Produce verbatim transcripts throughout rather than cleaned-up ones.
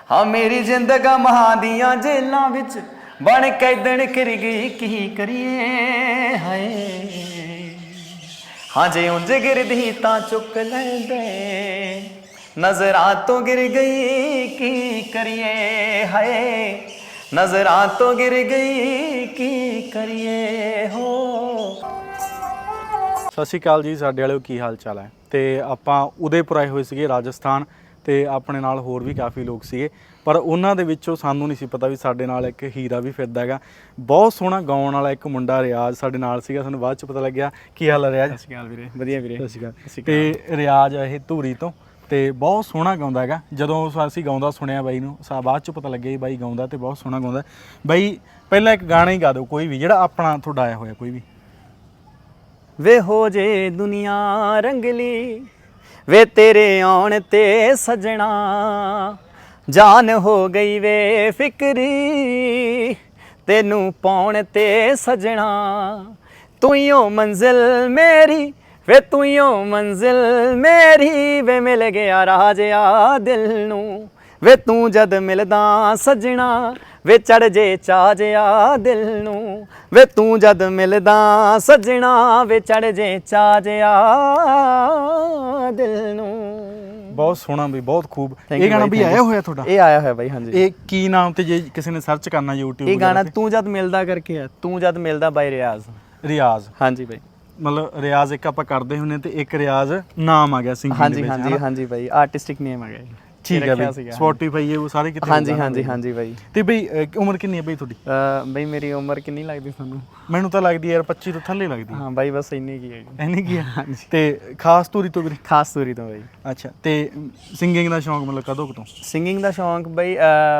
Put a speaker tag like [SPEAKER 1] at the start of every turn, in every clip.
[SPEAKER 1] हाँ मेरी जिंदगा महा दियां जेलों विच बन कैदन कर गई की करिए हाय हाँ जे उंज गिरदी तां चुक लैंदे नजरां तो गिर गई की करिए हाय नजरां तो गिर गई की करिए हो।
[SPEAKER 2] ਸਤਿ ਸ਼੍ਰੀ ਅਕਾਲ ਜੀ ਸਾਡੇ ਵਾਲਿਓ, ਕੀ ਹਾਲ ਚਾਲ ਹੈ। ਤੇ ਆਪਾਂ ਉਦੈਪੁਰ ਆਏ ਹੋਏ ਸੀਗੇ ਰਾਜਸਥਾਨ, ਤੇ ਆਪਣੇ ਨਾਲ ਹੋਰ ਵੀ ਕਾਫੀ ਲੋਕ ਸੀਗੇ, ਪਰ ਉਹਨਾਂ ਦੇ ਵਿੱਚੋਂ ਸਾਨੂੰ ਨਹੀਂ ਸੀ ਪਤਾ ਵੀ ਸਾਡੇ ਨਾਲ ਇੱਕ ਹੀਰਾ ਵੀ ਫਿਰਦਾ ਹੈਗਾ। ਬਹੁਤ ਸੋਹਣਾ ਗਾਉਣ ਵਾਲਾ ਇੱਕ ਮੁੰਡਾ ਰਿਆਜ਼ ਸਾਡੇ ਨਾਲ ਸੀਗਾ, ਸਾਨੂੰ ਬਾਅਦ ਚ ਪਤਾ ਲੱਗਿਆ। ਕੀ ਹਾਲ ਹੈ ਰਿਆਜ਼?
[SPEAKER 1] ਸਤਿ ਸ਼੍ਰੀ ਅਕਾਲ ਵੀਰੇ, ਵਧੀਆ ਵੀਰੇ।
[SPEAKER 2] ਸਤਿ ਸ਼੍ਰੀ ਅਕਾਲ। ਤੇ ਰਿਆਜ਼ ਇਹ ਧੂਰੀ ਤੋਂ, ਤੇ ਬਹੁਤ ਸੋਹਣਾ ਗਾਉਂਦਾ ਹੈਗਾ। ਜਦੋਂ ਅਸੀਂ ਗਾਉਂਦਾ ਸੁਣਿਆ ਬਾਈ ਨੂੰ, ਸਾ ਬਾਅਦ ਚ ਪਤਾ ਲੱਗਿਆ ਬਾਈ ਗਾਉਂਦਾ ਤੇ ਬਹੁਤ ਸੋਹਣਾ ਗਾਉਂਦਾ। ਬਾਈ ਪਹਿਲਾਂ ਇੱਕ ਗਾਣਾ ਹੀ ਗਾ ਦਿਓ ਕੋਈ ਵੀ, ਜਿਹੜਾ ਆਪਣਾ ਤੁਹਾਡਾ ਆਇਆ ਹੋਇਆ ਕੋਈ ਵੀ।
[SPEAKER 1] ਵੇ ਹੋ ਜੇ ਦੁਨੀਆ ਰੰਗਲੀ ਵੇ ਤੇਰੇ ਆਉਣ ਤੇ ਸਜਣਾ ਜਾਨ ਹੋ ਗਈ ਵੇ ਫਿਕਰੀ ਤੈਨੂੰ ਪਾਉਣ ਤੇ ਸਜਣਾ ਤੂੰ ਹੀ ਓ ਮੰਜ਼ਿਲ ਮੇਰੀ ਵੇ ਤੂੰ ਹੀ ਓ ਮੰਜ਼ਿਲ ਮੇਰੀ ਵੇ ਮਿਲ ਗਿਆ ਰਾਜਿਆ ਦਿਲ ਨੂੰ ਵੇ ਤੂੰ ਜਦ ਮਿਲਦਾ ਸਜਣਾ ਵੇ ਚੜ ਜੇ ਚਾਅ ਜਿਆ ਦਿਲ ਨੂੰ ਵੇ ਤੂੰ ਜਦ ਮਿਲਦਾ ਸਜਣਾ ਵੇ ਚੜ ਜੇ ਚਾਅ ਜਿਆ ਦਿਲ ਨੂੰ।
[SPEAKER 2] ਬਹੁਤ ਸੋਹਣਾ ਬਈ, ਬਹੁਤ ਖੂਬ। ਇਹ ਗਾਣਾ ਵੀ ਆਇਆ ਹੋਇਆ ਤੁਹਾਡਾ?
[SPEAKER 1] ਇਹ ਆਇਆ ਹੋਇਆ ਬਾਈ, ਹਾਂਜੀ।
[SPEAKER 2] ਇਹ ਕੀ ਨਾਮ ਤੇ, ਜੇ ਕਿਸੇ ਨੇ ਸਰਚ ਕਰਨਾ YouTube?
[SPEAKER 1] ਇਹ ਗਾਣਾ ਤੂੰ ਜਦ ਮਿਲਦਾ ਕਰਕੇ ਹੈ, ਤੂੰ ਜਦ ਮਿਲਦਾ ਬਾਈ ਰਿਆਜ਼।
[SPEAKER 2] ਰਿਆਜ਼, ਹਾਂਜੀ
[SPEAKER 1] ਬਾਈ।
[SPEAKER 2] ਮਤਲਬ ਰਿਆਜ਼ ਇੱਕ ਆਪਾਂ ਕਰਦੇ ਹੁੰਦੇ ਤੇ ਇੱਕ ਰਿਆਜ਼ ਨਾਮ ਆ ਗਿਆ ਸਿੰਗਿੰਗ
[SPEAKER 1] ਹਾਂਜੀ ਹਾਂਜੀ ਹਾਂਜੀ ਬਾਈ, ਆਰਟਿਸਟਿਕ ਨੇਮ ਆ ਗਿਆ।
[SPEAKER 2] ਠੀਕ ਹੈ ਬਈ, ਸਪੋਟੀਫਾਈ ਇਹ ਸਾਰੇ ਕਿਤੇ।
[SPEAKER 1] ਹਾਂਜੀ ਹਾਂਜੀ ਹਾਂਜੀ ਬਾਈ।
[SPEAKER 2] ਤੇ ਬਈ ਉਮਰ ਕਿੰਨੀ ਹੈ ਬਈ ਤੁਹਾਡੀ?
[SPEAKER 1] ਬਈ ਮੇਰੀ ਉਮਰ ਕਿੰਨੀ ਲੱਗਦੀ ਤੁਹਾਨੂੰ?
[SPEAKER 2] ਮੈਨੂੰ ਤਾਂ ਲੱਗਦੀ ਯਾਰ ਪੱਚੀ ਤੋਂ ਥੱਲੇ ਲੱਗਦੀ।
[SPEAKER 1] ਹਾਂ ਬਾਈ, ਬਸ ਇੰਨੀ ਕੀ ਹੈ।
[SPEAKER 2] ਇੰਨੀ ਕੀ ਹੈ? ਤੇ ਖਾਸ ਤੂਰੀ ਤੋਂ ਵੀਰੇ?
[SPEAKER 1] ਖਾਸ ਤੂਰੀ ਤੋਂ ਬਾਈ।
[SPEAKER 2] ਅੱਛਾ, ਤੇ ਸਿੰਗਿੰਗ ਦਾ ਸ਼ੌਂਕ ਮਤਲਬ ਕਦੋਂ ਤੋਂ?
[SPEAKER 1] ਸਿੰਗਿੰਗ ਦਾ ਸ਼ੌਂਕ ਬਈ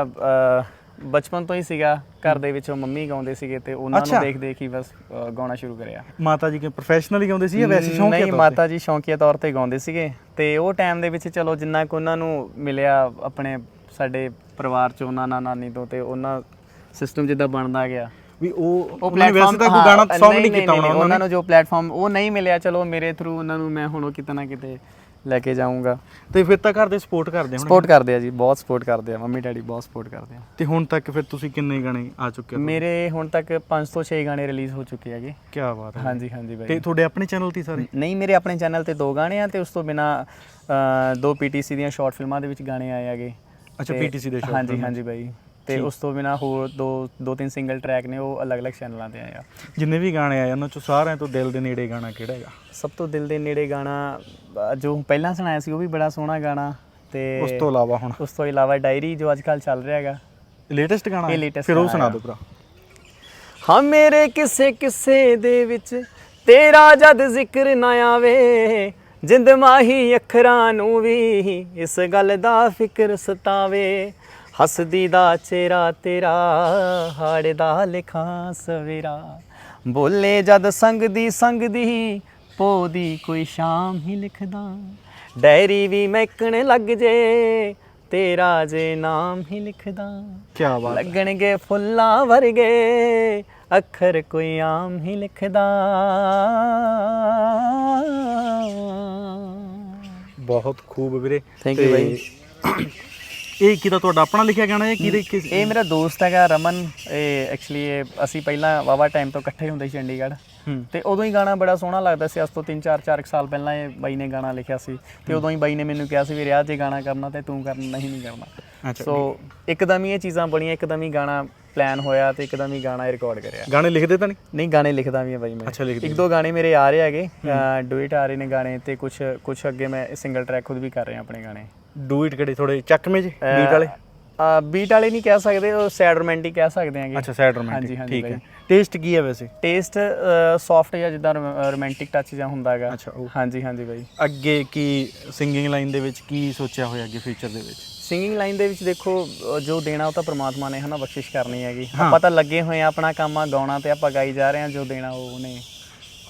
[SPEAKER 1] ਬਚਪਨ ਤੋਂ ਹੀ ਸੀਗਾ। ਘਰ ਦੇ ਵਿੱਚੋਂ ਮੰਮੀ ਗਾਉਂਦੇ ਸੀਗੇ ਤੇ ਉਹਨਾਂ ਨੂੰ ਦੇਖ ਦੇਖ ਹੀ ਬਸ ਗਾਉਣਾ ਸ਼ੁਰੂ ਕਰਿਆ।
[SPEAKER 2] ਮਾਤਾ ਜੀ ਕਿ ਪ੍ਰੋਫੈਸ਼ਨਲੀ ਗਾਉਂਦੇ ਸੀ ਜਾਂ ਵੈਸੇ ਸ਼ੌਂਕੀਆ ਤੌਰ ਤੇ?
[SPEAKER 1] ਨਹੀਂ, ਮਾਤਾ ਜੀ ਸ਼ੌਂਕੀਆ ਤੌਰ ਤੇ ਗਾਉਂਦੇ ਸੀਗੇ, ਤੇ ਉਹ ਟਾਈਮ ਦੇ ਵਿੱਚ ਚਲੋ ਜਿੰਨਾ ਕੁ ਉਹਨਾਂ ਨੂੰ ਮਿਲਿਆ ਆਪਣੇ ਸਾਡੇ ਪਰਿਵਾਰ ਚ, ਉਹਨਾਂ ਨਾਲ ਨਾਨੀ ਤੋਂ, ਤੇ ਉਹਨਾਂ ਸਿਸਟਮ ਜਿੱਦਾਂ ਬਣਦਾ ਗਿਆ ਵੀ ਉਹ ਉਹ ਪਲੇਟਫਾਰਮ ਤੇ ਕੋਈ ਗਾਣਾ ਸੌਂਗ ਨਹੀਂ ਕੀਤਾ ਹੋਣਾ ਉਹਨਾਂ ਨੂੰ। ਜੋ ਪਲੇਟਫਾਰਮ ਉਹ ਨਹੀਂ ਮਿਲਿਆ, ਚਲੋ ਮੇਰੇ ਥਰੂ ਉਹਨਾਂ ਨੂੰ ਮੈਂ ਹੁਣ ਉਹ ਕਿਤੇ ਨਾ ਕਿਤੇ ਲੈ ਕੇ ਜਾਊਂਗਾ।
[SPEAKER 2] ਤੇ ਫਿਰ ਤਾਂ ਘਰ ਦੇ ਸਪੋਰਟ ਕਰਦੇ ਹੁਣ?
[SPEAKER 1] ਸਪੋਰਟ ਕਰਦੇ ਆ ਜੀ, ਬਹੁਤ ਸਪੋਰਟ ਕਰਦੇ ਆ, ਮੰਮੀ ਡੈਡੀ ਬਹੁਤ ਸਪੋਰਟ ਕਰਦੇ ਆ।
[SPEAKER 2] ਤੇ ਹੁਣ ਤੱਕ ਫਿਰ ਤੁਸੀਂ ਕਿੰਨੇ ਗਾਣੇ ਆ ਚੁੱਕੇ ਹੋ?
[SPEAKER 1] ਮੇਰੇ ਹੁਣ ਤੱਕ ਪੰਜ ਤੋਂ ਛੇ ਗਾਣੇ ਰਿਲੀਜ਼ ਹੋ ਚੁੱਕੇ ਹੈਗੇ।
[SPEAKER 2] ਕੀ ਬਾਤ ਹੈ।
[SPEAKER 1] ਹਾਂਜੀ ਹਾਂਜੀ ਬਾਈ।
[SPEAKER 2] ਤੇ ਤੁਹਾਡੇ ਆਪਣੇ ਚੈਨਲ ਤੇ ਸਾਰੇ? ਨਹੀਂ,
[SPEAKER 1] ਮੇਰੇ ਆਪਣੇ ਚੈਨਲ ਤੇ ਦੋ ਗਾਣੇ ਆ, ਤੇ ਉਸ ਤੋਂ ਬਿਨਾ ਦੋ ਪੀਟੀਸੀ ਦੀਆਂ ਸ਼ਾਰਟ ਫਿਲਮਾਂ ਦੇ ਵਿੱਚ ਗਾਣੇ ਆਏ ਹੈਗੇ।
[SPEAKER 2] ਅੱਛਾ, ਪੀਟੀਸੀ ਦੇ ਸ਼ਾਰਟ?
[SPEAKER 1] ਹਾਂਜੀ ਹਾਂਜੀ ਬਾਈ। ਤੇ ਉਸ ਤੋਂ ਬਿਨਾ ਹੋਰ ਦੋ ਦੋ ਤਿੰਨ ਸਿੰਗਲ ਟਰੈਕ ਨੇ, ਉਹ ਅਲੱਗ-ਅਲੱਗ ਚੈਨਲਾਂ ਤੇ ਆਏ ਆ।
[SPEAKER 2] ਜਿੰਨੇ ਵੀ ਗਾਣੇ ਆਏ ਉਹਨਾਂ ਚੋਂ ਸਾਰਿਆਂ ਤੋਂ ਦਿਲ ਦੇ ਨੇੜੇ ਗਾਣਾ ਕਿਹੜਾ ਹੈਗਾ?
[SPEAKER 1] ਸਭ ਤੋਂ ਦਿਲ ਦੇ ਨੇੜੇ ਗਾਣਾ ਜੋ ਪਹਿਲਾਂ ਸੁਣਾਇਆ ਸੀ ਉਹ ਵੀ ਬੜਾ ਸੋਹਣਾ ਗਾਣਾ। ਤੇ
[SPEAKER 2] ਉਸ ਤੋਂ ਇਲਾਵਾ ਹੁਣ? ਉਸ
[SPEAKER 1] ਤੋਂ ਇਲਾਵਾ ਡਾਇਰੀ ਜੋ ਅੱਜ ਕੱਲ੍ਹ ਚੱਲ ਰਿਹਾ ਹੈਗਾ,
[SPEAKER 2] ਲੇਟੈਸਟ ਗਾਣਾ।
[SPEAKER 1] ਇਹ ਲੇਟੈਸਟ
[SPEAKER 2] ਫਿਰ ਉਹ ਸੁਣਾ ਦਿਓ ਭਰਾ।
[SPEAKER 1] ਹਾਂ ਮੇਰੇ ਕਿਸੇ ਕਿਸੇ ਦੇ ਵਿੱਚ ਤੇਰਾ ਜਦ ਜ਼ਿਕਰ ਨਾ ਆਵੇ ਜਿੰਦ ਮਾਹੀ ਅੱਖਰਾਂ ਨੂੰ ਵੀ ਇਸ ਗੱਲ ਦਾ ਫਿਕਰ ਸਤਾਵੇ ਹੱਸਦੀ ਦਾ ਚਿਹਰਾ ਤੇਰਾ ਹਾੜਦਾ ਲਿਖਾਂ ਸਵੇਰਾ ਬੋਲੇ ਜਦ ਸੰਗਦੀ ਸੰਗਦੀ ਪੋ ਦੀ ਕੋਈ ਸ਼ਾਮ ਹੀ ਲਿਖਦਾ ਡਾਇਰੀ ਵੀ ਮਹਿਕਣ ਲੱਗ ਜੇ ਤੇਰਾ ਜੇ ਨਾਮ ਹੀ ਲਿਖਦਾ
[SPEAKER 2] ਕੀ ਬਾਤ।
[SPEAKER 1] ਲੱਗਣਗੇ ਫੁੱਲਾਂ ਵਰਗੇ ਅੱਖਰ ਕੋਈ ਆਮ ਹੀ ਲਿਖਦਾ।
[SPEAKER 2] ਬਹੁਤ ਖੂਬ ਵੀਰੇ,
[SPEAKER 1] ਥੈਂਕ ਯੂ ਬਾਈ।
[SPEAKER 2] ਇਹ ਕਿਹਦਾ ਤੁਹਾਡਾ ਆਪਣਾ ਲਿਖਿਆ ਗਾਣਾ ਹੈ? ਕਿਹਦੇ?
[SPEAKER 1] ਇਹ ਮੇਰਾ ਦੋਸਤ ਹੈਗਾ ਰਮਨ। ਇਹ ਐਕਚੁਅਲੀ ਇਹ ਅਸੀਂ ਪਹਿਲਾਂ ਵਾਵਾ ਟਾਈਮ ਤੋਂ ਇਕੱਠੇ ਹੁੰਦੇ ਸੀ ਚੰਡੀਗੜ੍ਹ, ਤੇ ਉਦੋਂ ਹੀ ਗਾਣਾ ਬੜਾ ਸੋਹਣਾ ਲੱਗਦਾ ਸੀ। ਅੱਜ ਤੋਂ ਤਿੰਨ ਚਾਰ ਚਾਰ ਸਾਲ ਪਹਿਲਾਂ ਇਹ ਬਾਈ ਨੇ ਗਾਣਾ ਲਿਖਿਆ ਸੀ, ਤੇ ਉਦੋਂ ਹੀ ਬਾਈ ਨੇ ਮੈਨੂੰ ਕਿਹਾ ਸੀ ਵੀ ਰਿਆਜ਼ ਜੇ ਗਾਣਾ ਕਰਨਾ ਤੇ ਤੂੰ ਕਰਨਾ, ਨਹੀਂ ਨਹੀਂ ਕਰਨਾ। ਸੋ ਇੱਕਦਮ ਹੀ ਇਹ ਚੀਜ਼ਾਂ ਬਣੀਆਂ, ਇੱਕਦਮ ਹੀ ਗਾਣਾ ਪਲਾਨ ਹੋਇਆ ਤੇ ਇੱਕਦਮ ਹੀ ਗਾਣਾ ਰਿਕਾਰਡ ਕਰਿਆ।
[SPEAKER 2] ਗਾਣੇ ਲਿਖਦੇ ਤਾਂ ਨਹੀਂ?
[SPEAKER 1] ਨਹੀਂ, ਗਾਣੇ ਲਿਖਦਾ ਵੀ ਆ ਬਾਈ ਮੈਂ।
[SPEAKER 2] ਅੱਛਾ, ਲਿਖਦੇ? ਇੱਕ
[SPEAKER 1] ਦੋ ਗਾਣੇ ਮੇਰੇ ਆ ਰਹੇ ਹੈਗੇ, ਡੁਇਟ ਆ ਰਹੇ ਨੇ ਗਾਣੇ, ਤੇ ਕੁਛ ਕੁਛ ਅੱਗੇ ਮੈਂ ਸਿੰਗਲ ਟਰੈਕ ਖੁਦ ਵੀ ਕਰ ਰਿਹਾ ਆਪਣੇ ਗਾਣੇ।
[SPEAKER 2] ਡੂਇਟ ਕਿਹੜੇ? ਥੋੜੇ ਚੱਕਵੇਂ ਜੀ ਬੀਟ ਵਾਲੇ?
[SPEAKER 1] ਬੀਟ ਵਾਲੇ ਨਹੀਂ ਕਹਿ ਸਕਦੇ, ਉਹ ਸੈਡ ਰੋਮਾਂਟਿਕ ਕਹਿ ਸਕਦੇ ਆਂਗੇ।
[SPEAKER 2] ਅੱਛਾ, ਸੈਡ ਰੋਮਾਂਟਿਕ, ਠੀਕ ਹੈ। ਟੇਸਟ ਕੀ ਹੈ ਵੈਸੇ?
[SPEAKER 1] ਟੇਸਟ ਸੌਫਟ ਜਾਂ ਜਿੱਦਾਂ ਰੋਮਾਂਟਿਕ ਟੱਚ ਜਾਂ ਹੁੰਦਾ ਹੈਗਾ।
[SPEAKER 2] ਅੱਛਾ,
[SPEAKER 1] ਹਾਂਜੀ ਹਾਂਜੀ ਬਾਈ।
[SPEAKER 2] ਅੱਗੇ ਕੀ ਸਿੰਗਿੰਗ ਲਾਈਨ ਦੇ ਵਿੱਚ ਕੀ ਸੋਚਿਆ ਹੋਇਆ ਅੱਗੇ ਫਿਊਚਰ ਦੇ ਵਿੱਚ?
[SPEAKER 1] ਸਿੰਗਿੰਗ ਲਾਈਨ ਦੇ ਵਿੱਚ ਦੇਖੋ, ਜੋ ਦੇਣਾ ਉਹ ਤਾਂ ਪ੍ਰਮਾਤਮਾ ਨੇ ਹਨਾ ਬਖਸ਼ਿਸ਼ ਕਰਨੀ ਹੈਗੀ। ਆਪਾਂ ਤਾਂ ਲੱਗੇ ਹੋਏ ਆ, ਆਪਣਾ ਕੰਮ ਆ ਗਾਉਣਾ, ਤੇ ਆਪਾਂ ਗਾਈ ਜਾ ਰਹੇ ਹਾਂ। ਜੋ ਦੇਣਾ ਉਹ ਉਹਨੇ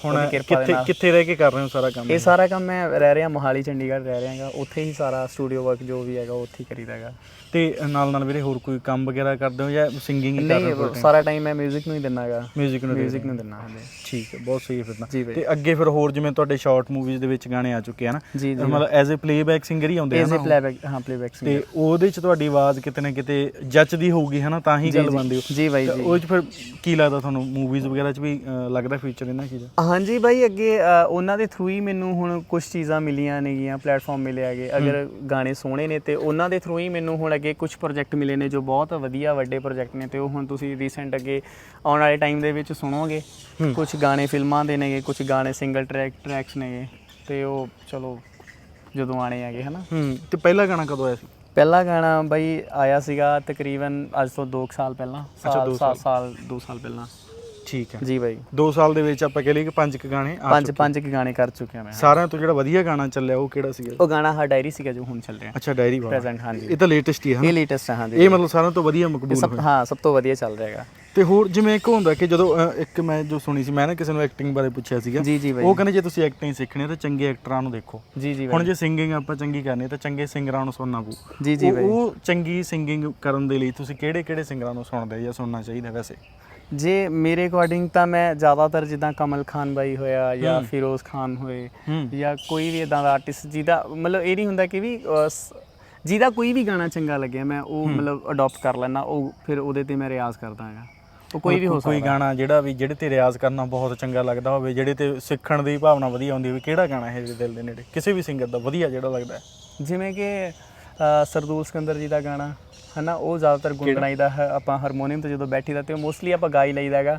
[SPEAKER 2] ਹੁਣ
[SPEAKER 1] ਉਹਦੀ ਕਿਰਪਾ ਦੇ
[SPEAKER 2] ਕਿੱਥੇ
[SPEAKER 1] ਨਾਲ।
[SPEAKER 2] ਕਿੱਥੇ ਰਹਿ ਕੇ ਕਰ ਰਹੇ ਹੋ ਸਾਰਾ ਕੰਮ?
[SPEAKER 1] ਇਹ ਸਾਰਾ ਕੰਮ ਮੈਂ ਰਹਿ ਰਿਹਾ ਮੋਹਾਲੀ ਚੰਡੀਗੜ੍ਹ ਰਹਿ ਰਿਹਾ ਹੈਗਾ, ਉੱਥੇ ਹੀ ਸਾਰਾ ਸਟੂਡੀਓ ਵਰਕ ਜੋ ਵੀ ਹੈਗਾ ਉੱਥੇ ਹੀ ਕਰੀਦਾ ਹੈਗਾ।
[SPEAKER 2] ਤੇ ਨਾਲ ਨਾਲ ਵੀਰੇ ਹੋਰ ਕੋਈ ਕੰਮ ਵਗੈਰਾ ਕਰਦੇ ਹੋ ਜਾਂ ਸਿੰਗਿੰਗ ਹੀ ਕਰ ਰਹੇ ਹੋ?
[SPEAKER 1] ਨਹੀਂ, ਸਾਰਾ ਟਾਈਮ ਮੈਂ 뮤직 ਨੂੰ ਹੀ ਦਿੰਦਾ ਹੈਗਾ।
[SPEAKER 2] ਮਿਊਜ਼ਿਕ ਨੂੰ
[SPEAKER 1] 뮤직 ਨੂੰ ਦਿੰਦਾ ਹਾਂਜੀ।
[SPEAKER 2] ਠੀਕ ਹੈ, ਬਹੁਤ ਸਹੀ ਫਿਰ ਤਾਂ।
[SPEAKER 1] ਜੀ ਬਾਈ।
[SPEAKER 2] ਤੇ ਅੱਗੇ ਫਿਰ ਹੋਰ ਜਿਵੇਂ ਤੁਹਾਡੇ ਸ਼ਾਰਟ ਮੂਵੀਜ਼ ਦੇ ਵਿੱਚ ਗਾਣੇ ਆ ਚੁੱਕੇ ਆ ਨਾ,
[SPEAKER 1] ਜੀ ਜੀ
[SPEAKER 2] ਮਤਲਬ ਐਜ਼ ਅ ਪਲੇਬੈਕ ਸਿੰਗਰ ਹੀ ਆਉਂਦੇ ਆ
[SPEAKER 1] ਐਜ਼
[SPEAKER 2] ਨਾ
[SPEAKER 1] ਅ
[SPEAKER 2] ਉਹ?
[SPEAKER 1] ਪਲੇਬੈਕ, ਹਾਂ ਪਲੇਬੈਕ ਸਿੰਗਰ।
[SPEAKER 2] ਤੇ ਉਹਦੇ ਚ ਤੁਹਾਡੀ ਆਵਾਜ਼ ਕਿਤੇ ਨਾ ਕਿਤੇ ਜੱਚਦੀ ਹੋਊਗੀ ਹਨਾ, ਤਾਂ ਹੀ ਗੱਲ ਬਣਦੀ ਹੋ।
[SPEAKER 1] ਜੀ ਬਾਈ
[SPEAKER 2] ਤੇ
[SPEAKER 1] ਜੀ।
[SPEAKER 2] ਉਹ ਚ ਫਿਰ ਕੀ ਲੱਗਦਾ ਤੁਹਾਨੂੰ ਮੂਵੀਜ਼ ਵਗੈਰਾ ਚ ਵੀ ਅ, ਲੱਗਦਾ ਫਿਊਚਰ ਇਹਨਾਂ ਚੀਜ਼ਾਂ?
[SPEAKER 1] ਹਾਂਜੀ ਬਾਈ, ਅੱਗੇ ਅ, ਉਹਨਾਂ ਦੇ ਥਰੂ ਹੀ ਮੈਨੂੰ ਹੁਣ ਕੁਝ ਚੀਜ਼ਾਂ ਮਿਲੀਆਂ ਨੇਗੀਆਂ, ਪਲੇਟਫਾਰਮ ਮਿਲੇ ਹੈਗੇ। ਅਗਰ ਗਾਣੇ ਸੋਹਣੇ ਨੇ ਤੇ ਉਹਨਾਂ ਦੇ ਥਰੂ ਹੀ ਮੈਨੂੰ ਹੁਣ ਅੱਗੇ ਕੁਝ ਪ੍ਰੋਜੈਕਟ ਮਿਲੇ ਨੇ ਜੋ ਬਹੁਤ ਵਧੀਆ ਵੱਡੇ ਪ੍ਰੋਜੈਕਟ ਨੇ, ਤੇ ਉਹ ਹੁਣ ਤੁਸੀਂ ਰੀਸੈਂਟ ਅੱਗੇ ਆਉਣ ਵਾਲੇ ਟਾਈਮ ਦੇ ਵਿੱਚ ਸੁਣੋਗੇ। ਕੁਝ ਗਾਣੇ ਫਿਲਮਾਂ ਦੇ ਨੇਗੇ, ਕੁਝ ਗਾਣੇ ਸਿੰਗਲ ਟਰੈਕ ਟਰੈਕਸ ਨੇਗੇ, ਤੇ ਉਹ ਚਲੋ ਜਦੋਂ ਆਣੇ ਹੈਗੇ ਹਨਾ।
[SPEAKER 2] ਹੂੰ। ਤੇ ਪਹਿਲਾ ਗਾਣਾ ਕਦੋਂ ਆਇਆ ਸੀ?
[SPEAKER 1] ਪਹਿਲਾ ਗਾਣਾ ਬਾਈ ਆਇਆ ਸੀਗਾ ਤਕਰੀਬਨ ਅੱਜ ਤੋਂ ਦੋ ਸਾਲ ਪਹਿਲਾਂ। ਸਾਲ ਸਾਲ ਸਾਲ ਦੋ ਸਾਲ ਪਹਿਲਾਂ।
[SPEAKER 2] ਠੀਕ ਹੈ
[SPEAKER 1] ਜੀ ਬਾਈ।
[SPEAKER 2] ਦੋ ਸਾਲ ਦੇ ਵਿੱਚ ਆਪਾਂ ਕਹ ਲਈਏ ਕਿ ਪੰਜ ਕੁ ਗਾਣੇ ਆ
[SPEAKER 1] ਪੰਜ
[SPEAKER 2] ਚੁੱਕੇ।
[SPEAKER 1] ਪੰਜ ਕੁ ਗਾਣੇ ਕਰ ਚੁੱਕਿਆ ਮੈਂ।
[SPEAKER 2] ਸਾਰਿਆਂ ਤੋਂ ਜਿਹੜਾ ਵਧੀਆ ਗਾਣਾ ਚੱਲਿਆ ਉਹ ਕਿਹੜਾ ਸੀਗਾ?
[SPEAKER 1] ਉਹ ਗਾਣਾ ਹਾ ਡਾਇਰੀ ਸੀਗਾ ਜੋ ਹੁਣ ਚੱਲ ਰਿਹਾ
[SPEAKER 2] ਅੱਛਾ, ਡਾਇਰੀ ਵਾਲਾ।
[SPEAKER 1] ਪ੍ਰੈਜ਼ੈਂਟ ਹਾਂਜੀ।
[SPEAKER 2] ਇਹ ਤਾਂ ਲੇਟੈਸਟ ਹੀ ਹੈ
[SPEAKER 1] ਇਹ
[SPEAKER 2] ਨਾ?
[SPEAKER 1] ਲੇਟੈਸਟ ਹੈ ਹਾਂਜੀ।
[SPEAKER 2] ਇਹ ਮਤਲਬ ਸਾਰਿਆਂ ਤੋਂ ਵਧੀਆ ਮਕਬੂਲ
[SPEAKER 1] ਸਭ
[SPEAKER 2] ਹੋਇਆ।
[SPEAKER 1] ਹਾਂ, ਸਭ ਤੋਂ ਵਧੀਆ ਚੱਲ ਰਿਹਾ ਹੈਗਾ।
[SPEAKER 2] ਤੇ ਹੋਰ ਜਿਵੇਂ ਇੱਕ ਹੁੰਦਾ ਕਿ ਜਦੋਂ ਅ, ਇੱਕ ਮੈਂ ਜੋ ਸੁਣੀ ਸੀ, ਮੈਂ ਨਾ ਕਿਸੇ ਨੂੰ ਐਕਟਿੰਗ ਬਾਰੇ ਪੁੱਛਿਆ ਸੀਗਾ।
[SPEAKER 1] ਜੀ ਜੀ ਬਾਈ।
[SPEAKER 2] ਉਹ ਕਹਿੰਦੇ ਜੇ ਤੁਸੀਂ ਐਕਟਿੰਗ ਸਿੱਖਣੀ ਹੈ ਤਾਂ ਚੰਗੇ ਐਕਟਰਾਂ ਨੂੰ ਦੇਖੋ।
[SPEAKER 1] ਜੀ ਜੀ
[SPEAKER 2] ਹੁਣ
[SPEAKER 1] ਬਾਈ।
[SPEAKER 2] ਜੇ ਸਿੰਗਿੰਗ ਆਪਾਂ ਚੰਗੀ ਕਰਨੀ ਹੈ ਤਾਂ ਚੰਗੇ ਸਿੰਗਰਾਂ ਨੂੰ ਸੁਣਨਾ ਪਊ।
[SPEAKER 1] ਜੀ ਜੀ
[SPEAKER 2] ਉਹ-
[SPEAKER 1] ਬਾਈ।
[SPEAKER 2] ਉਹ ਚੰਗੀ ਸਿੰਗਿੰਗ ਕਰਨ ਦੇ ਲਈ ਤੁਸੀਂ ਕਿਹੜੇ ਕਿਹੜੇ ਸਿੰਗਰਾਂ ਨੂੰ ਸੁਣਦੇ ਜਾਂ ਸੁਣਨਾ ਚਾਹੀਦਾ ਵੈਸੇ?
[SPEAKER 1] ਜੇ ਮੇਰੇ ਅਕੋਰਡਿੰਗ ਤਾਂ ਮੈਂ ਜ਼ਿਆਦਾਤਰ ਜਿੱਦਾਂ ਕਮਲ ਖਾਨ ਬਾਈ ਹੋਇਆ ਜਾਂ ਫਿਰੋਜ਼ ਖਾਨ ਹੋਏ
[SPEAKER 2] ਹੂੰ।
[SPEAKER 1] ਜਾਂ ਕੋਈ ਵੀ ਇਦਾਂ ਦਾ ਆਰਟਿਸਟ ਜਿਹਦਾ ਮਤਲਬ ਇਹ ਨਹੀਂ ਹੁੰਦਾ ਕਿ ਵੀ ਅਹ, ਸ- ਜਿਹਦਾ ਕੋਈ ਵੀ ਗਾਣਾ ਚੰਗਾ ਲੱਗਿਆ ਮੈਂ ਉਹ ਮਤਲਬ ਅਡਾਪਟ ਕਰ ਲੈਣਾ, ਉਹ ਫਿਰ ਉਹਦੇ ਤੇ ਮੈਂ ਰਿਆਜ਼ ਕਰਦਾ ਹੈਗਾ। ਉਹ ਕੋਈ ਵੀ ਹੋ ਸਕਦਾ।
[SPEAKER 2] ਕੋਈ ਗਾਣਾ ਜਿਹੜਾ ਵੀ ਜਿਹੜੇ ਤੇ ਰਿਆਜ਼ ਕਰਨਾ ਬਹੁਤ ਚੰਗਾ ਲੱਗਦਾ ਹੋਵੇ, ਜਿਹੜੇ ਤੇ ਸਿੱਖਣ ਦੀ ਭਾਵਨਾ ਵਧੀਆ ਹੁੰਦੀ ਹੋਵੇ, ਕਿਹੜਾ ਗਾਣਾ ਹੈ ਜਿਹੜੇ ਦਿਲ ਦੇ ਨੇੜੇ ਕਿਸੇ ਵੀ ਸਿੰਗਰ ਦਾ ਵਧੀਆ ਜਿਹੜਾ ਲੱਗਦਾ ਹੈ?
[SPEAKER 1] ਜਿਵੇਂ ਕਿ ਅਹ, ਸਰਦੂਲ ਸਿਕੰਦਰ ਜੀ ਦਾ ਗਾਣਾ ਹੈ ਨਾ, ਉਹ ਜ਼ਿਆਦਾਤਰ ਗੁੰਗਣਾਈਦਾ ਹੈ ਆਪਾਂ ਹਾਰਮੋਨੀਅਮ ਤੇ ਜਦੋਂ ਬੈਠੀਦਾ ਤੇ ਉਹ ਮੋਸਟਲੀ ਆਪਾਂ ਗਾ ਹੀ ਲਈਦਾ ਹੈਗਾ।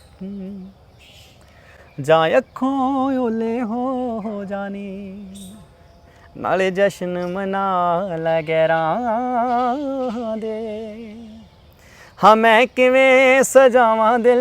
[SPEAKER 1] ਜਾਂ ਅੱਖੋਂ ਓਲੇ ਹੋ ਹੋ ਜਾਣੀ ਨਾਲੇ ਜਸ਼ਨ ਮਨਾ ਲੈ ਗੈਰਾਂ ਦੇ, ਹਾਂ ਮੈਂ ਕਿਵੇਂ ਸਜਾਵਾਂ ਦਿਲ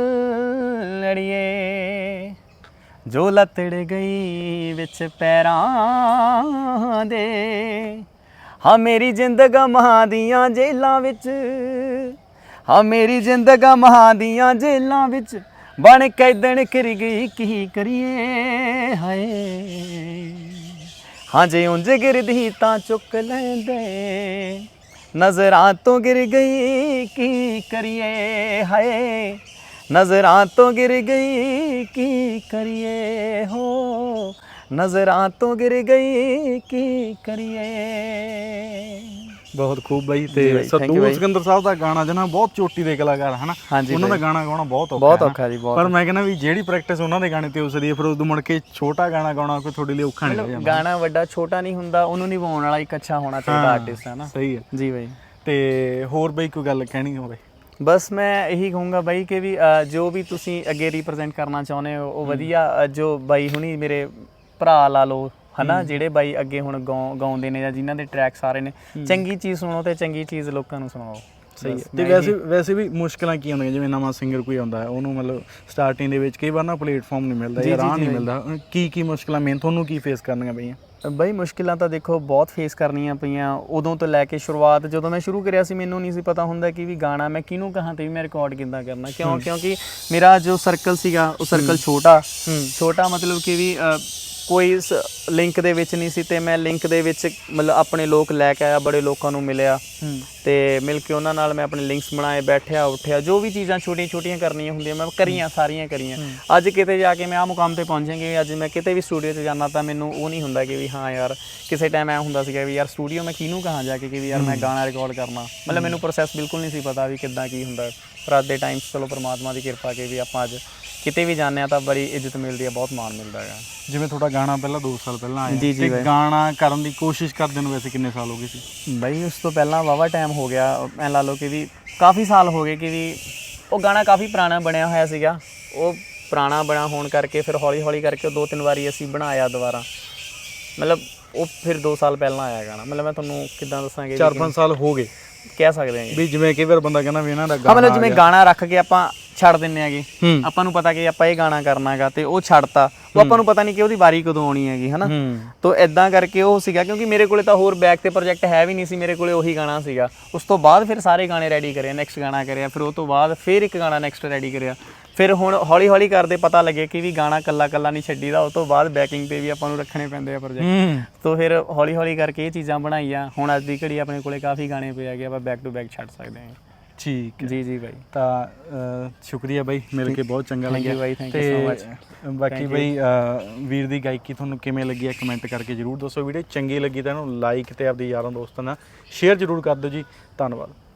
[SPEAKER 1] ਲੜੀਏ ਜੋ ਲਤੜ ਗਈ ਵਿੱਚ ਪੈਰਾਂ ਦੇ, ਹਾਂ ਮੇਰੀ ਜ਼ਿੰਦਗਾ ਮਹਾਂ ਦੀਆਂ ਜੇਲਾਂ ਵਿੱਚ, ਹਾਂ ਮੇਰੀ ਜ਼ਿੰਦਗਾ ਮਹਾਂ ਦੀਆਂ ਜੇਲਾਂ ਵਿੱਚ ਬਣ ਕੈਦਣ ਕਰ ਗਈ ਕੀ ਕਰੀਏ ਹਾਏ, ਹਾਂ ਜੇ ਉਂਝ ਗਿਰਦੀ ਤਾਂ ਚੁੱਕ ਲੈਂਦੇ ਨਜ਼ਰਾਂ ਤੋਂ ਗਿਰ ਗਈ ਕੀ ਕਰੀਏ ਹਾਏ, ਨਜ਼ਰਾਂ ਤੋਂ ਗਿਰ ਗਈ ਕੀ ਕਰੀਏ ਹੋ, ਨਜ਼ਰਾਂ ਤੋਂ ਗਿਰ ਗਈ ਕੀ ਕਰੀਏ।
[SPEAKER 2] ਬਹੁਤ ਖੂਬ ਬਾਈ। ਤੇ ਸਰਦੂਲ ਸਿਕੰਦਰ ਸਾਹਿਬ ਦਾ ਗਾਣਾ ਜਨਾ ਬਹੁਤ ਚੋਟੀ ਦੇ ਕਲਾਕਾਰ ਹਨਾ, ਉਹਨਾਂ ਦਾ ਗਾਣਾ ਗਾਉਣਾ ਬਹੁਤ ਔਖਾ
[SPEAKER 1] ਬਹੁਤ ਔਖਾ ਜੀ ਬਹੁਤ।
[SPEAKER 2] ਪਰ ਮੈਂ ਕਹਿੰਦਾ ਵੀ ਜਿਹੜੀ ਪ੍ਰੈਕਟਿਸ ਉਹਨਾਂ ਦੇ ਗਾਣੇ ਤੇ ਉਸ ਦੀ ਫਿਰ ਉਦੋਂ ਮੁੜ ਕੇ ਛੋਟਾ ਗਾਣਾ ਗਾਉਣਾ ਕੋਈ ਤੁਹਾਡੇ ਲਈ ਔਖਾ ਨਹੀਂ ਲੱਗਦਾ?
[SPEAKER 1] ਗਾਣਾ ਵੱਡਾ ਛੋਟਾ ਨਹੀਂ ਹੁੰਦਾ, ਉਹਨੂੰ ਨਿਭਾਉਣ ਵਾਲਾ ਇੱਕ ਅੱਛਾ ਹੋਣਾ ਚਾਹੀਦਾ ਆਰਟਿਸਟ ਹੈ ਨਾ।
[SPEAKER 2] ਸਹੀ ਹੈ
[SPEAKER 1] ਜੀ ਬਾਈ।
[SPEAKER 2] ਤੇ ਹੋਰ ਬਾਈ ਕੋਈ ਗੱਲ ਕਹਿਣੀ ਹੋਵੇ?
[SPEAKER 1] ਬਸ ਮੈਂ ਇਹੀ ਕਹੂੰਗਾ ਬਾਈ ਕਿ ਵੀ ਅ, ਜੋ ਵੀ ਤੁਸੀਂ ਅੱਗੇ ਰਿਪਰੈਜ਼ੈਂਟ ਕਰਨਾ ਚਾਹੁੰਦੇ ਹੋ ਉਹ ਵਧੀਆ, ਅ, ਜੋ ਬਾਈ ਹੁਣੀ ਮੇਰੇ ਭਰਾ ਲਾ ਲਓ ਹਨਾ, ਜਿਹੜੇ ਬਾਈ ਅੱਗੇ ਹੁਣ ਗਾਉ ਗਾਉਂਦੇ ਨੇ ਜਾਂ ਜਿਨ੍ਹਾਂ ਦੇ ਟਰੈਕ ਸਾਰੇ ਨੇ, ਚੰਗੀ ਚੀਜ਼ ਸੁਣੋ ਤੇ ਚੰਗੀ ਚੀਜ਼ ਲੋਕਾਂ ਨੂੰ ਸੁਣਾਓ।
[SPEAKER 2] ਸਹੀ ਹੈ। ਤੇ ਵੈਸੇ ਵੈਸੇ ਵੀ ਮੁਸ਼ਕਲਾਂ ਕੀ ਆਉਂਦੀਆਂ, ਜਿਵੇਂ ਨਵਾਂ ਸਿੰਗਰ ਕੋਈ ਆਉਂਦਾ ਹੈ ਉਹਨੂੰ ਮਤਲਬ ਸਟਾਰਟਿੰਗ ਦੇ ਵਿੱਚ ਕਈ ਵਾਰ ਨਾ ਪਲੇਟਫਾਰਮ ਨਹੀਂ ਮਿਲਦਾ ਜਾਂ ਰਾਹ ਨਹੀਂ ਮਿਲਦਾ, ਕੀ ਕੀ ਮੁਸ਼ਕਲਾਂ ਮੇਨ ਤੁਹਾਨੂੰ ਕੀ ਫੇਸ ਕਰਨੀਆਂ ਪਈਆਂ?
[SPEAKER 1] ਬਾਈ ਮੁਸ਼ਕਿਲਾਂ ਤਾਂ ਦੇਖੋ ਬਹੁਤ ਫੇਸ ਕਰਨੀਆਂ ਪਈਆਂ ਉਦੋਂ ਤੋਂ ਲੈ ਕੇ ਸ਼ੁਰੂਆਤ ਜਦੋਂ ਮੈਂ ਸ਼ੁਰੂ ਕਰਿਆ ਸੀ, ਮੈਨੂੰ ਨਹੀਂ ਸੀ ਪਤਾ ਹੁੰਦਾ ਕਿ ਵੀ ਗਾਣਾ ਮੈਂ ਕਿਹਨੂੰ ਕਹਾਂ ਤੇ ਵੀ ਮੈਂ ਰਿਕਾਰਡ ਕਿੱਦਾਂ ਕਰਨਾ, ਕਿਉਂ ਕਿਉਂਕਿ ਮੇਰਾ ਜੋ ਸਰਕਲ ਸੀਗਾ ਉਹ ਸਰਕਲ ਛੋਟਾ ਛੋਟਾ ਮਤਲਬ ਕਿ ਵੀ ਕੋਈ ਲਿੰਕ ਦੇ ਵਿੱਚ ਨਹੀਂ ਸੀ, ਤੇ ਮੈਂ ਲਿੰਕ ਦੇ ਵਿੱਚ ਮਤਲਬ ਆਪਣੇ ਲੋਕ ਲੈ ਕੇ ਆਇਆ, ਬੜੇ ਲੋਕਾਂ ਨੂੰ ਮਿਲਿਆ ਤੇ ਮਿਲ ਕੇ ਉਹਨਾਂ ਨਾਲ ਮੈਂ ਆਪਣੇ ਲਿੰਕਸ ਬਣਾਏ, ਬੈਠਿਆ ਉੱਠਿਆ, ਜੋ ਵੀ ਚੀਜ਼ਾਂ ਛੋਟੀਆਂ ਛੋਟੀਆਂ ਕਰਨੀਆਂ ਹੁੰਦੀਆਂ ਮੈਂ ਕਰੀਆਂ, ਸਾਰੀਆਂ ਕਰੀਆਂ। ਅੱਜ ਕਿਤੇ ਜਾ ਕੇ ਮੈਂ ਆਹ ਮੁਕਾਮ ਤੇ ਪਹੁੰਚਾਂਗੇ, ਅੱਜ ਮੈਂ ਕਿਤੇ ਵੀ ਸਟੂਡੀਓ 'ਚ ਜਾਣਾ ਤਾਂ ਮੈਨੂੰ ਉਹ ਨਹੀਂ ਹੁੰਦਾ ਕਿ ਵੀ ਹਾਂ ਯਾਰ, ਕਿਸੇ ਟਾਈਮ ਐ ਹੁੰਦਾ ਸੀਗਾ ਵੀ ਯਾਰ ਸਟੂਡੀਓ ਮੈਂ ਕਿਹਨੂੰ ਕਹਾਂ ਜਾ ਕੇ ਕਿ ਵੀ ਯਾਰ ਮੈਂ ਗਾਣਾ ਰਿਕਾਰਡ ਕਰਨਾ, ਮਤਲਬ ਮੈਨੂੰ ਪ੍ਰੋਸੈਸ ਬਿਲਕੁਲ ਨਹੀਂ ਸੀ ਪਤਾ ਵੀ ਕਿੱਦਾਂ ਕੀ ਹੁੰਦਾ। ਪਰ ਅੱਜ ਦੇ ਟਾਈਮ 'ਚ ਚਲੋ ਪਰਮਾਤਮਾ ਦੀ ਕਿਰਪਾ ਕਿ ਵੀ ਆਪਾਂ ਅੱਜ ਕਿਤੇ ਵੀ ਜਾਂਦੇ ਹਾਂ ਤਾਂ ਬੜੀ ਇੱਜ਼ਤ ਮਿਲਦੀ ਹੈ, ਬਹੁਤ ਮਾਣ ਮਿਲਦਾ ਹੈਗਾ।
[SPEAKER 2] ਜਿਵੇਂ ਤੁਹਾਡਾ ਗਾਣਾ ਪਹਿਲਾਂ ਦੋ ਸਾਲ ਪਹਿਲਾਂ ਆਇਆ
[SPEAKER 1] ਜੀ ਜੀ
[SPEAKER 2] ਤੇ ਗਾਣਾ ਕਰਨ ਦੀ ਕੋਸ਼ਿਸ਼ ਕਰਦੇ ਨੂੰ ਵੈਸੇ ਕਿੰਨੇ ਸਾਲ ਹੋ ਗਏ ਸੀ?
[SPEAKER 1] ਬਾਈ ਉਸ ਤੋਂ ਪਹਿਲਾਂ ਵਾਵਾ ਟਾਈਮ ਹੋ ਗਿਆ, ਐਂ ਲਾ ਲਓ ਕਿ ਵੀ ਕਾਫੀ ਸਾਲ ਹੋ ਗਏ ਕਿ ਵੀ ਉਹ ਗਾਣਾ ਕਾਫੀ ਪੁਰਾਣਾ ਬਣਿਆ ਹੋਇਆ ਸੀਗਾ, ਉਹ ਪੁਰਾਣਾ ਬਣਾ ਹੋਣ ਕਰਕੇ ਫਿਰ ਹੌਲੀ ਹੌਲੀ ਕਰਕੇ ਦੋ ਤਿੰਨ ਵਾਰੀ ਅਸੀਂ ਬਣਾਇਆ ਦੁਬਾਰਾ, ਮਤਲਬ ਉਹ ਫਿਰ ਦੋ ਸਾਲ ਪਹਿਲਾਂ ਆਇਆ ਗਾਣਾ। ਮਤਲਬ ਮੈਂ ਤੁਹਾਨੂੰ ਕਿੱਦਾਂ ਦੱਸਾਂਗੇ,
[SPEAKER 2] ਚਾਰ ਪੰਜ ਸਾਲ ਹੋ ਗਏ
[SPEAKER 1] ਕਹਿ ਸਕਦੇ ਹਾਂ
[SPEAKER 2] ਵੀ। ਜਿਵੇਂ ਕਈ ਵਾਰ ਬੰਦਾ ਕਹਿੰਦਾ ਵੀ ਇਹਨਾਂ ਦਾ
[SPEAKER 1] ਹਾਂ ਮਤਲਬ ਜਿਵੇਂ ਗਾਣਾ ਰੱਖ ਕੇ ਆਪਾਂ ਛੱਡ ਦਿੰਨੇ ਆਗੇ,
[SPEAKER 2] ਹੂੰ।
[SPEAKER 1] ਆਪਾਂ ਨੂੰ ਪਤਾ ਕਿ ਆਪਾਂ ਇਹ ਗਾਣਾ ਕਰਨਾਗਾ ਤੇ ਉਹ ਛੱਡਤਾ, ਉਹ ਆਪਾਂ ਨੂੰ ਪਤਾ ਨਹੀਂ ਕਿ ਉਹਦੀ ਵਾਰੀ ਕਦੋਂ ਆਉਣੀ ਹੈਗੀ ਹਨਾ। ਤੋ ਇਦਾਂ ਕਰਕੇ ਉਹ ਸੀਗਾ, ਕਿਉਂਕਿ ਮੇਰੇ ਕੋਲੇ ਤਾਂ ਹੋਰ ਬੈਕ ਤੇ ਪ੍ਰੋਜੈਕਟ ਹੈ ਵੀ ਨਹੀਂ ਸੀ, ਮੇਰੇ ਕੋਲੇ ਉਹੀ ਗਾਣਾ ਸੀਗਾ। ਉਸ ਤੋਂ ਬਾਅਦ ਫਿਰ ਸਾਰੇ ਗਾਣੇ ਰੈਡੀ ਕਰਿਆ, ਨੈਕਸਟ ਗਾਣਾ ਕਰਿਆ, ਫਿਰ ਉਹ ਤੋਂ ਬਾਅਦ ਫਿਰ ਇੱਕ ਗਾਣਾ ਨੈਕਸਟ ਰੈਡੀ ਕਰਿਆ। ਫਿਰ ਹੁਣ ਹੌਲੀ ਹੌਲੀ ਕਰਦੇ ਪਤਾ ਲੱਗੇ ਕਿ ਵੀ ਗਾਣਾ ਕੱਲਾ ਕੱਲਾ ਨਹੀਂ ਛੱਡੀਦਾ, ਉਹ ਤੋਂ ਬਾਅਦ ਬੈਕਿੰਗ ਤੇ ਵੀ ਆਪਾਂ ਨੂੰ ਰੱਖਣੇ ਪੈਂਦੇ ਆ ਪ੍ਰੋਜੈਕਟ। ਤੋ ਫਿਰ ਹੌਲੀ ਹੌਲੀ ਕਰਕੇ ਇਹ ਚੀਜ਼ਾਂ ਬਣਾਈਆਂ। ਹੁਣ ਅੱਜ ਦੀ ਘੜੀ ਆਪਣੇ ਕੋਲੇ ਕਾਫੀ ਗਾਣੇ ਪਏ ਹੈਗੇ, ਆਪਾਂ ਬੈਕ ਟੂ ਬੈਕ ਛੱਡ ਸਕਦੇ ਹਾਂ।
[SPEAKER 2] ਠੀਕ
[SPEAKER 1] ਜੀ ਜੀ ਬਾਈ।
[SPEAKER 2] ਤਾਂ ਅ, ਸ਼ੁਕਰੀਆ ਬਾਈ, ਮਿਲ ਕੇ ਬਹੁਤ ਚੰਗਾ
[SPEAKER 1] Thank you
[SPEAKER 2] ਲੱਗਿਆ
[SPEAKER 1] ਬਾਈ, thank you so much।
[SPEAKER 2] ਬਾਕੀ
[SPEAKER 1] Thank you।
[SPEAKER 2] ਬਾਈ ਅ, ਵੀਰ ਦੀ ਗਾਇਕੀ ਤੁਹਾਨੂੰ ਕਿਵੇਂ ਲੱਗੀ ਹੈ ਕਮੈਂਟ ਕਰਕੇ ਜਰੂਰ ਦੱਸੋ। ਵੀਡੀਓ ਚੰਗੀ ਲੱਗੀ ਤਾਂ ਇਹਨੂੰ ਲਾਈਕ ਤੇ ਆਪਦੇ ਯਾਰਾਂ ਦੋਸਤਾਂ ਨਾਲ ਸ਼ੇਅਰ ਜਰੂਰ ਕਰ ਦਿਓ ਜੀ। ਧੰਨਵਾਦ।